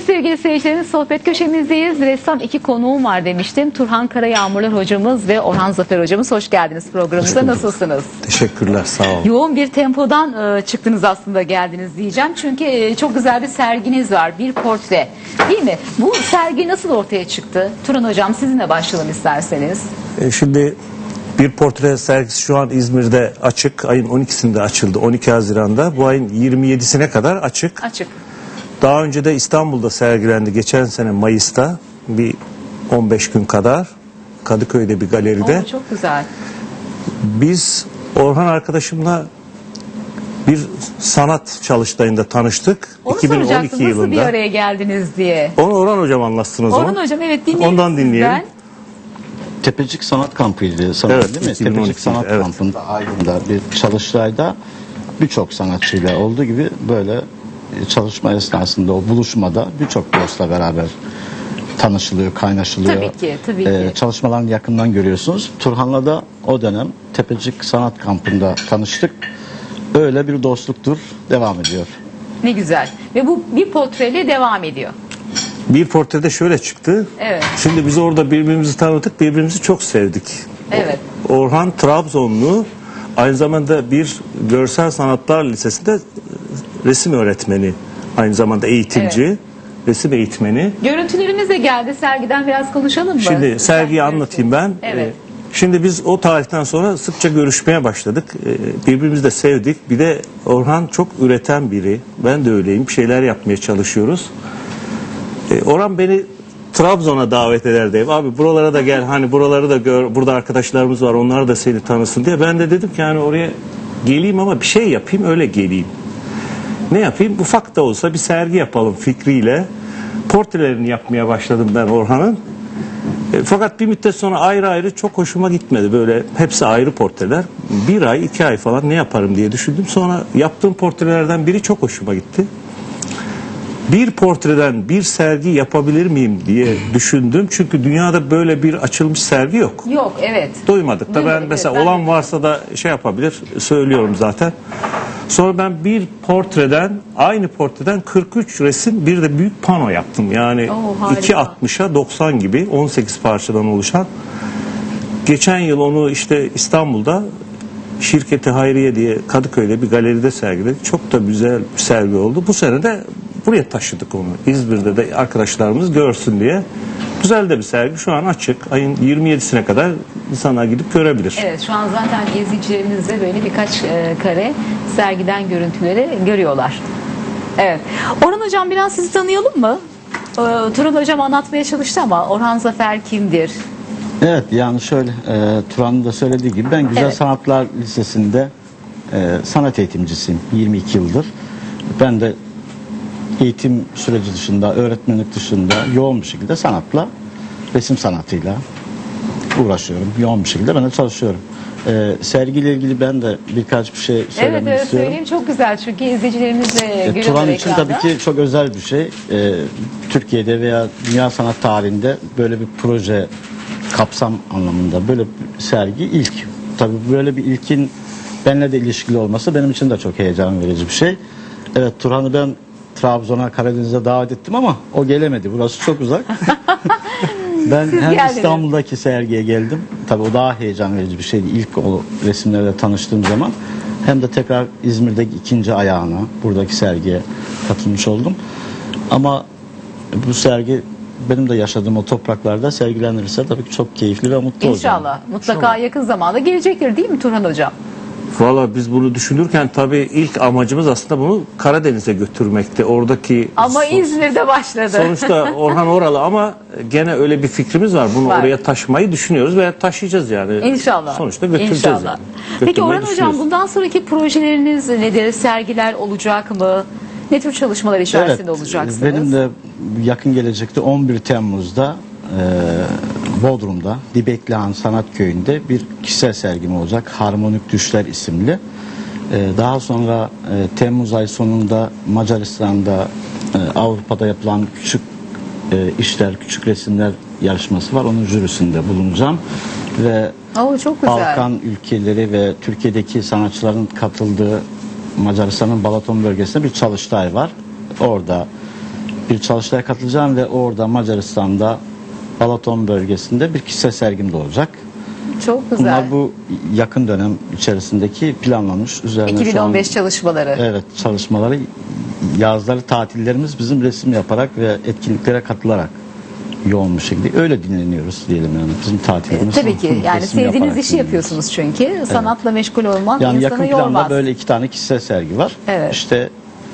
sevgili seyircilerimiz, sohbet köşemizdeyiz. Ressam iki konuğum var demiştim. Turhan Karayağmurlar hocamız ve Orhan Zafer hocamız. Hoş geldiniz programımıza. Nasılsınız? Teşekkürler, sağ olun. Yoğun bir tempodan çıktınız aslında, geldiniz diyeceğim. Çünkü çok güzel bir serginiz var. Bir portre, değil mi? Bu sergi nasıl ortaya çıktı? Turhan hocam, sizinle başlayalım isterseniz. Şimdi bir portre sergisi şu an İzmir'de açık. Ayın 12'sinde açıldı. 12 Haziran'da. Bu ayın 27'sine kadar açık. Açık. Daha önce de İstanbul'da sergilendi. Geçen sene Mayıs'ta bir 15 gün kadar Kadıköy'de bir galeride. Oo, çok güzel. Biz Orhan arkadaşımla bir sanat çalıştayında tanıştık. Onu 2012 soracaktım, yılında. nasıl bir araya geldiniz diye. Onu Orhan hocam anlatsın o zaman. Orhan hocam, evet, dinleyelim. Ondan dinleyelim. sizden. Tepecik Sanat Kampı'ydı sanırım, Evet, değil mi? 2012, Tepecik Sanat evet. Kampı'nda Aydın'da bir çalıştayda birçok sanatçıyla olduğu gibi böyle çalışma esnasında, o buluşmada birçok dostla beraber tanışılıyor, kaynaşılıyor. Tabii ki, tabii ki. Çalışmalarını yakından görüyorsunuz. Turhan'la da o dönem Tepecik Sanat Kampı'nda tanıştık. Öyle bir dostluktur, devam ediyor. Ne güzel. Ve bu bir portreyle devam ediyor. Bir portrede şöyle çıktı. Evet. Şimdi biz orada birbirimizi tanıdık, birbirimizi çok sevdik. Evet. Orhan Trabzonlu, aynı zamanda bir görsel sanatlar lisesinde resim öğretmeni, aynı zamanda eğitimci, Evet. resim eğitmeni. Görüntülerimiz de geldi. Sergiden biraz konuşalım mı? Şimdi sergiyi anlatayım ben. Evet. Şimdi biz o tarihten sonra sıkça görüşmeye başladık. Birbirimizi de sevdik. Bir de Orhan çok üreten biri. Ben de öyleyim. Bir şeyler yapmaya çalışıyoruz. Orhan beni Trabzon'a davet ederdi. Abi buralara da gel, hani buraları da gör. Burada arkadaşlarımız var. Onlar da seni tanısın diye. Ben de dedim ki hani oraya geleyim ama bir şey yapayım, öyle geleyim. Ne yapayım? Ufak da olsa bir sergi yapalım fikriyle. Portrelerini yapmaya başladım ben Orhan'ın. Fakat bir müddet sonra ayrı ayrı çok hoşuma gitmedi. Böyle hepsi ayrı portreler. Bir ay, 2 ay falan ne yaparım diye düşündüm. Sonra yaptığım portrelerden biri çok hoşuma gitti. Bir portreden bir sergi yapabilir miyim diye düşündüm. Çünkü dünyada böyle bir açılmış sergi yok. Yok, evet. Duymadık da ben Duymadık, mesela evet, olan varsa da şey yapabilir, söylüyorum zaten. Sonra ben bir portreden, aynı portreden 43 resim, bir de büyük pano yaptım. Yani Oo, harika. 2.60'a 90 gibi 18 parçadan oluşan. Geçen yıl onu işte İstanbul'da Şirketi Hayriye diye Kadıköy'de bir galeride sergiledik. Çok da güzel bir sergi oldu. Bu sene de buraya taşıdık onu. İzmir'de de arkadaşlarımız görsün diye. Güzel de bir sergi. Şu an açık. Ayın 27'sine kadar insanlar gidip görebilir. Evet, şu an zaten izleyicilerimiz de böyle birkaç kare sergiden görüntüleri görüyorlar. Evet. Orhan hocam, biraz sizi tanıyalım mı? Turhan hocam anlatmaya çalıştı ama Orhan Zafer kimdir? Evet, yani şöyle, Turan'ın da söylediği gibi ben Güzel Evet. Sanatlar Lisesi'nde sanat eğitimcisiyim 22 yıldır. Ben de eğitim süreci dışında, öğretmenlik dışında yoğun bir şekilde sanatla, resim sanatıyla uğraşıyorum. Yoğun bir şekilde ben de çalışıyorum. Sergiyle ilgili ben de birkaç bir şey söylemek Evet, istiyorum. söyleyeyim, çok güzel çünkü izleyicilerimiz de görüyorlar Turan için ekranda. tabii ki çok özel bir şey. Türkiye'de veya dünya sanat tarihinde böyle bir proje kapsam anlamında böyle bir sergi ilk. Tabii böyle bir ilkin benimle de ilişkili olması benim için de çok heyecan verici bir şey. Evet, Turhan'ı ben Trabzon'a, Karadeniz'e davet ettim ama o gelemedi. Burası çok uzak. Ben hem geldiniz. İstanbul'daki sergiye geldim. Tabii o daha heyecan verici bir şeydi. İlk o resimlerle tanıştığım zaman. Hem de tekrar İzmir'deki ikinci ayağına, buradaki sergiye katılmış oldum. Ama bu sergi benim de yaşadığım o topraklarda sergilenirse tabii ki çok keyifli ve mutlu olacağım. İnşallah. Mutlaka yakın zamanda gelecektir, değil mi Turhan hocam? Valla biz bunu düşünürken tabii ilk amacımız aslında bunu Karadeniz'e götürmekti. Oradaki Ama İzmir'de başladı. sonuçta Orhan oralı ama gene öyle bir fikrimiz var. Bunu Var. oraya taşımayı düşünüyoruz veya taşıyacağız yani. İnşallah. Sonuçta götüreceğiz İnşallah. yani. Peki Götürmeyi Orhan hocam, düşünüyoruz. bundan sonraki projeleriniz nedir? Sergiler olacak mı? Ne tür çalışmalar içerisinde olacaksınız? Benim de yakın gelecekte 11 Temmuz'da Bodrum'da Dibeklihan Sanat Köyü'nde bir kişisel sergim olacak. Harmonik Düşler isimli. Daha sonra Temmuz ayı sonunda Macaristan'da Avrupa'da yapılan küçük işler, küçük resimler yarışması var. Onun jürisinde bulunacağım. Ve Oo, çok güzel. Balkan ülkeleri ve Türkiye'deki sanatçıların katıldığı Macaristan'ın Balaton bölgesinde bir çalıştay var. Orada bir çalıştaya katılacağım ve orada Macaristan'da Balaton bölgesinde bir kişisel sergim de olacak. Çok güzel. Bunlar bu yakın dönem içerisindeki planlanmış üzerine şu an 2015 çalışmaları. evet çalışmaları, yazları tatillerimiz bizim resim yaparak ve etkinliklere katılarak yoğun bir şekilde öyle dinleniyoruz diyelim yani bizim tatilimiz. Tabii ki yani resim sevdiğiniz yaparak işi dinleniyoruz. yapıyorsunuz çünkü. Sanatla meşgul olmak Yani yakın insanı planda yormaz. böyle 2 tane kişisel sergi var. Evet. İşte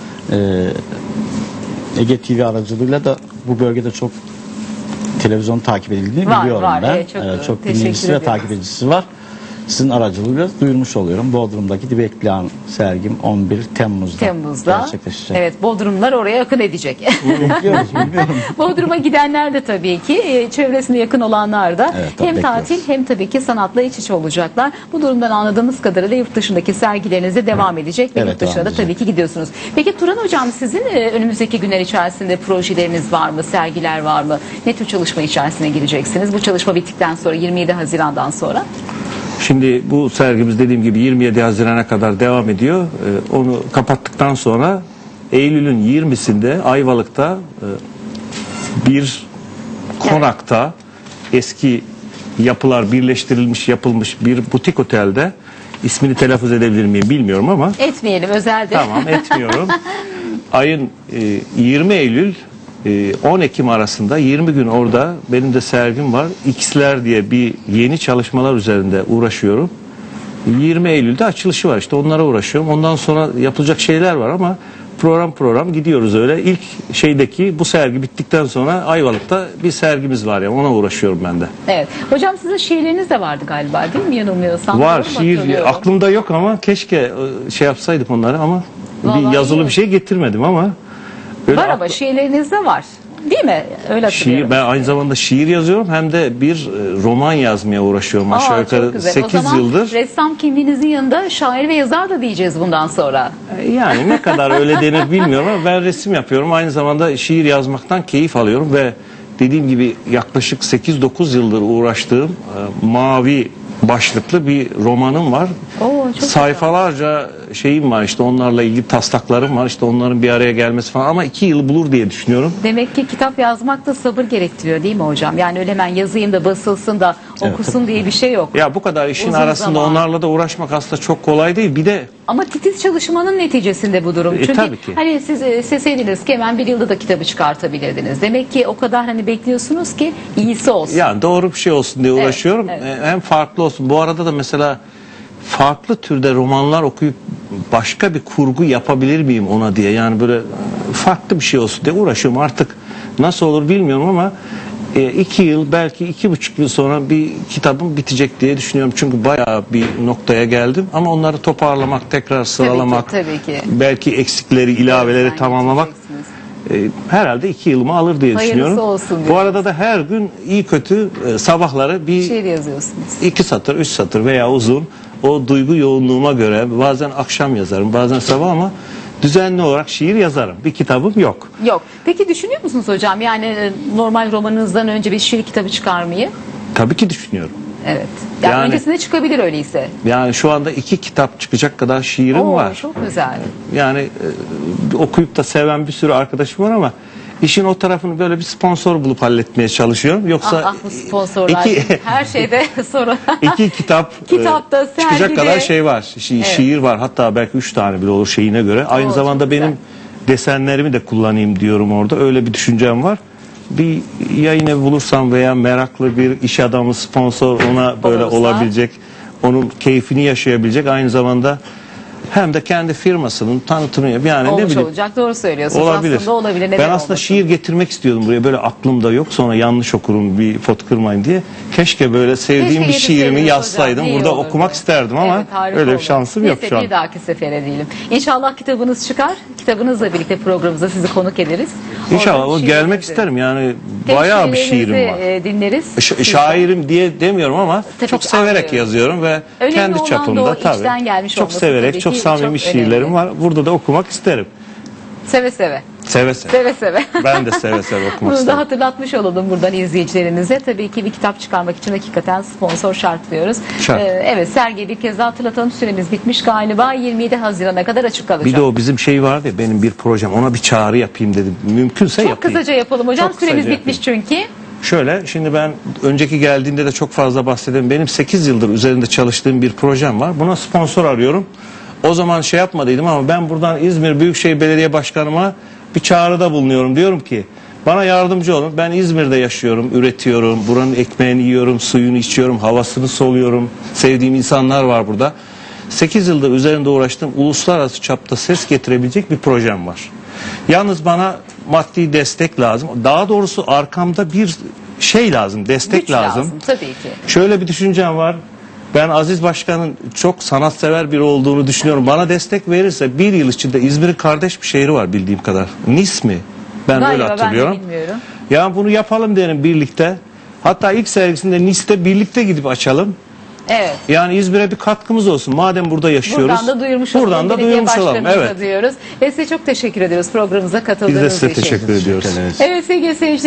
Ege TV aracılığıyla da bu bölgede çok televizyon takip edildiğini Var, biliyorum var. ben. Evet, çok dinleyicisi teşekkür ve ediyoruz. takip edicisi var. Sizin aracılığıyla duyurmuş oluyorum. Bodrum'daki Dibeklihan sergim 11 Temmuz'da gerçekleşecek. Evet, Bodrumlar oraya akın edecek. Bekliyoruz, bilmiyorum. Bodrum'a gidenler de tabii ki çevresine yakın olanlar da Evet, hem bekliyoruz. tatil hem tabii ki sanatla iç içe olacaklar. Bu durumdan anladığımız kadarıyla yurt dışındaki sergilerinize devam edecek ve Evet, yurt dışına devam da edecek. tabii ki gidiyorsunuz. Peki Turan Hocam sizin önümüzdeki günler içerisinde projeleriniz var mı? Sergiler var mı? Ne tür çalışma içerisine gireceksiniz? Bu çalışma bittikten sonra 27 Haziran'dan sonra? Şimdi bu sergimiz dediğim gibi 27 Haziran'a kadar devam ediyor. Onu kapattıktan sonra Eylül'ün 20'sinde Ayvalık'ta bir konakta eski yapılar birleştirilmiş yapılmış bir butik otelde, ismini telaffuz edebilir miyim bilmiyorum ama Etmeyelim, özelde. tamam etmiyorum. Ayın 20 Eylül 10 Ekim arasında 20 gün orada benim de sergim var. X'ler diye bir yeni çalışmalar üzerinde uğraşıyorum. 20 Eylül'de açılışı var, işte onlara uğraşıyorum. Ondan sonra yapılacak şeyler var ama program gidiyoruz öyle. İlk şeydeki bu sergi bittikten sonra Ayvalık'ta bir sergimiz var ya, ona uğraşıyorum ben de. Evet. Hocam sizin şiirleriniz de vardı galiba değil mi? Yanılmıyorsam. Var Doğru mu şiir hatırlıyorum? aklımda yok ama keşke şey yapsaydık onları ama Vallahi bir yazılı iyi. bir şey getirmedim ama öyle Var ama şiirleriniz de var. Değil mi? Öyle hatırlıyorum. şiir, ben aynı zamanda şiir yazıyorum hem de bir roman yazmaya uğraşıyorum. Aşağı Aa, çok yukarı güzel. 8 o zaman yıldır. ressam kimliğinizin yanında şair ve yazar da diyeceğiz bundan sonra. Yani ne kadar öyle denir bilmiyorum ama ben resim yapıyorum. Aynı zamanda şiir yazmaktan keyif alıyorum ve dediğim gibi yaklaşık 8-9 yıldır uğraştığım mavi başlıklı bir romanım var. Oo, çok Sayfalarca şeyim var, işte onlarla ilgili taslaklarım var, işte onların bir araya gelmesi falan ama 2 yıl bulur diye düşünüyorum. Demek ki kitap yazmak da sabır gerektiriyor değil mi hocam? Yani öyle hemen yazayım da basılsın da okusun diye bir şey yok. Ya bu kadar işin Uzun arasında zaman. onlarla da uğraşmak aslında çok kolay değil. Bir de Ama titiz çalışmanın neticesinde bu durum. Çünkü tabii ki. hani siz isteseydiniz ki hemen bir yılda da kitabı çıkartabilirdiniz. Demek ki o kadar hani bekliyorsunuz ki iyisi olsun. yani doğru bir şey olsun diye Evet, uğraşıyorum. evet. Hem farklı olsun. Bu arada da mesela farklı türde romanlar okuyup başka bir kurgu yapabilir miyim ona diye. Yani böyle farklı bir şey olsun diye uğraşıyorum. Artık nasıl olur bilmiyorum ama 2 yıl belki 2,5 yıl sonra bir kitabım bitecek diye düşünüyorum. Çünkü bayağı bir noktaya geldim. Ama onları toparlamak, tekrar sıralamak, tabii ki. belki eksikleri, ilaveleri Gözden tamamlamak geçireceksiniz. herhalde 2 yılımı alır diye Hayırlısı düşünüyorum. olsun Bu diyoruz. arada da her gün iyi kötü sabahları bir Şiir yazıyorsunuz. 2 satır, 3 satır veya uzun, o duygu yoğunluğuma göre bazen akşam yazarım, bazen sabah ama düzenli olarak şiir yazarım. Bir kitabım yok. Yok. Peki düşünüyor musunuz hocam? Yani normal romanınızdan önce bir şiir kitabı çıkarmayı? Tabii ki düşünüyorum. Evet. Yani, Yani- öncesinde çıkabilir öyleyse. Yani şu anda 2 kitap çıkacak kadar şiirim Oo, var. çok güzel. Yani okuyup da seven bir sürü arkadaşım var ama işin o tarafını böyle bir sponsor bulup halletmeye çalışıyorum. Yoksa Bu sponsorlar her şeyde sorun. 2 kitap Kitapta, çıkacak sergide. kadar şey var. Şiir var. Hatta belki 3 tane bile olur şeyine göre. Aynı Oo, zamanda çok güzel. benim desenlerimi de kullanayım diyorum orada. Öyle bir düşüncem var. Bir yayın evi bulursam veya meraklı bir iş adamı, sponsor ona böyle Olursa. olabilecek, onun keyfini yaşayabilecek, aynı zamanda hem de kendi firmasının tanıtımı yani ne Olmuş bileyim olacak. Doğru söylüyorsunuz. olabilir. Aslında olabilir. Neden Ben aslında olmasın? şiir getirmek istiyordum buraya, böyle aklımda yok, sonra yanlış okurum bir pot kırmayın diye. Keşke böyle sevdiğim Keşke bir şiirimi getirseydiniz yazsaydım. hocam, iyi burada olurdu. okumak isterdim ama Evet, harika öyle bir olur. şansım yok Neyse, şu an. bir dahaki sefere diyelim. İnşallah kitabınız çıkar. Kitabınızla birlikte programımıza sizi konuk ederiz. İnşallah Oradan o gelmek şiirinizi- isterim yani, Hem bayağı bir şiirlerinizi, şiirim var. Dinleriz. Şairim diye demiyorum ama Tabii çok ki severek anlıyorum. yazıyorum ve Önemli kendi olan da çapımda o içten tabii gelmiş çok olması severek, tabii çok ki samimi çok şiirlerim önemli. var. Burada da okumak isterim. Seve seve. Seve seve. Seve seve. Ben de seve seve okumak Bunu da isterim. hatırlatmış olalım buradan izleyicilerimize. Tabii ki bir kitap çıkarmak için hakikaten sponsor şart diyoruz. Şart. Evet, sergiyi bir kez daha hatırlatalım. Süremiz bitmiş galiba. 27 Haziran'a kadar açık kalacak. Bir de o bizim şey vardı ya, benim bir projem, ona bir çağrı yapayım dedim. Mümkünse Çok yapayım. kısaca yapalım hocam. Çok kısaca Süremiz yapayım. bitmiş çünkü. Şöyle, şimdi ben önceki geldiğinde de çok fazla bahsedelim. Benim 8 yıldır üzerinde çalıştığım bir projem var. Buna sponsor arıyorum. O zaman şey yapmadıydım ama ben buradan İzmir Büyükşehir Belediye Başkanıma bir çağrıda bulunuyorum. Diyorum ki bana yardımcı olun. Ben İzmir'de yaşıyorum, üretiyorum. Buranın ekmeğini yiyorum, suyunu içiyorum, havasını soluyorum. Sevdiğim insanlar var burada. 8 yıldır üzerinde uğraştığım uluslararası çapta ses getirebilecek bir projem var. Yalnız bana maddi destek lazım. Daha doğrusu arkamda bir şey lazım, destek Güç lazım. tabii ki. Şöyle bir düşüncem var. Ben Aziz Başkan'ın çok sanatsever biri olduğunu düşünüyorum. Bana destek verirse bir yıl içinde İzmir'in kardeş bir şehri var bildiğim kadar. Nis mi? Ben Galiba böyle hatırlıyorum. ben de bilmiyorum. Ya bunu yapalım derim birlikte. Hatta ilk sergisinde Nis'te birlikte gidip açalım. Evet. Yani İzmir'e bir katkımız olsun. Madem burada yaşıyoruz. Buradan da duyurmuş olalım. Buradan da Belediye duyurmuş olalım. başkanımıza Evet. diyoruz. Ve size çok teşekkür ediyoruz programımıza Biz katıldığınız de size için. teşekkür ediyoruz. ederiz. Evet sevgili seyirciler.